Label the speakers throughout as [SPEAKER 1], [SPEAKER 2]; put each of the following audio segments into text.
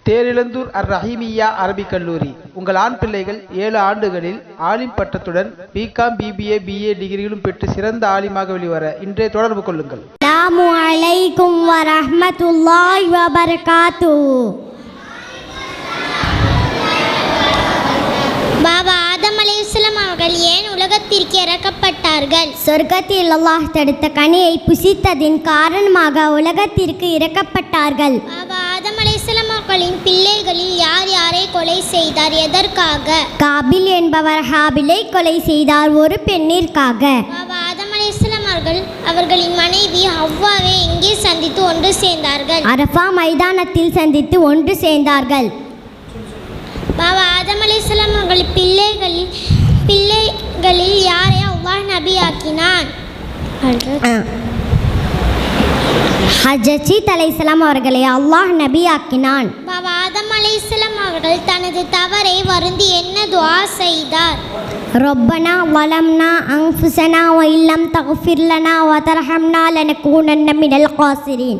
[SPEAKER 1] தேரிழந்தூர் அர் ரஹீமியா அரபிக் கல்லூரி. உங்கள் ஆண் பிள்ளைகள் 7 ஆண்டுகளில் ஆலிம் பட்டத்துடன் பிகாம், பிபிஏ, பிஏ டிகிரிகளும் பெற்று சிறந்த ஆலிமாக வெளிவர இன்றே தொடர்பு கொள்ளுங்கள்.
[SPEAKER 2] அஸ்ஸலாமு அலைக்கும் வரஹ்மத்துல்லாஹி வபரகாத்துஹு.
[SPEAKER 3] பாபா ஆதம் அலைஹிஸ்ஸலாம் அவர்கள் ஏன் உலகத்திற்கு இறக்கப்பட்டார்கள்?
[SPEAKER 2] சொர்க்கத்தில் அல்லாஹ் தடுத்த கனியை புசித்ததின் காரணமாக உலகத்திற்கு இறக்கப்பட்டார்கள்.
[SPEAKER 3] பாபா ஆதம் அலைஹிஸ்ஸலாம் அவர்களின் பிள்ளைகளில் யார் யாரை கொலை செய்தார்? எதற்காக?
[SPEAKER 2] காபில் என்பவர் ஹாபிலை கொலை செய்தார், ஒரு பெண்ணிற்காக.
[SPEAKER 3] பாபா ஆதம் அலைஹிஸ்ஸலாம் அவர்களின் மனைவி ஹவ்வாவை எங்கே சந்தித்து ஒன்று சேர்ந்தார்கள்?
[SPEAKER 2] அரஃபா மைதானத்தில் சந்தித்து ஒன்று சேர்ந்தார்கள்.
[SPEAKER 3] பாபா ஆதம் அலைஹிஸ்ஸலாம் அவர்கள் பிள்ளைகளில் யாரை அல்லாஹ் நபியாக்கினான்?
[SPEAKER 2] ஹஜ்ஜத் அலைஹிஸ்ஸலாம் அவர்களை அல்லாஹ் நபியாக்கினான்.
[SPEAKER 3] பாபா ஆதம் அலைஹிஸ்ஸலாம் அவர்கள் தனது தவறை வருந்தி என்ன துஆ செய்தார்?
[SPEAKER 2] ரப்பனா வலம்னா அன்ஃபுஸனா வ இல்லம் தக்ஃபிர் லனா வ தர்ஹம்னா லனகூனன்ன மினல் காசிரீன்.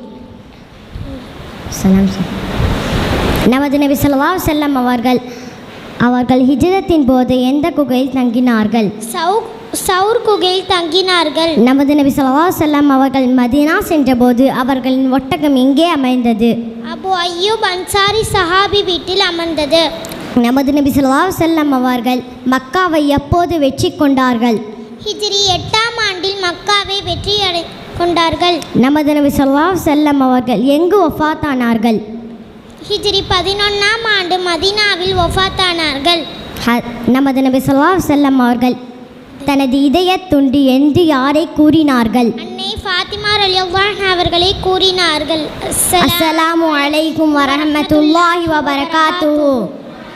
[SPEAKER 2] நமது நபி ஸல்லல்லாஹு அலைஹி வஸல்லம் அவர்கள் ஹிஜ்ரத்தின் போது எந்த குகையில் தங்கினார்கள்?
[SPEAKER 3] சௌர் குகையில் தங்கினார்கள்.
[SPEAKER 2] நமது நபி ஸல்லல்லாஹு அலைஹி வஸல்லம் அவர்கள் மதீனா சென்றபோது அவர்களின் ஒட்டகம் எங்கே அமைந்தது?
[SPEAKER 3] அபு அய்யூப் அன்சாரி சஹாபி வீட்டில் அமர்ந்தது.
[SPEAKER 2] நமது நபி ஸல்லல்லாஹு அலைஹி வஸல்லம் அவர்கள் மக்காவை எப்போது வெற்றி கொண்டார்கள்?
[SPEAKER 3] ஹிஜ்ரி 8ஆம் ஆண்டில் மக்காவை வெற்றி கொண்டார்கள்.
[SPEAKER 2] நமது நபி ஸல்லல்லாஹு அலைஹி வஸல்லம் அவர்கள் எங்கு வஃபாத்தானார்கள்?
[SPEAKER 3] ஹிஜ்ரி 11ஆம் ஆண்டு மதீனாவில் வஃபாத்தானார்கள்.
[SPEAKER 2] நமது நபி ஸல்லல்லாஹு அலைஹி வஸல்லம் அவர்கள் தனது இதயத் துண்டு என்று யாரை கூறினார்கள்?
[SPEAKER 3] அன்னை ஃபாத்திமா ரலியல்லாஹு அன்ஹா அவர்களை கூறினார்கள்.
[SPEAKER 2] அஸ்ஸலாமு அலைக்கும் வரஹ்மத்துல்லாஹி வபரகாத்துஹு.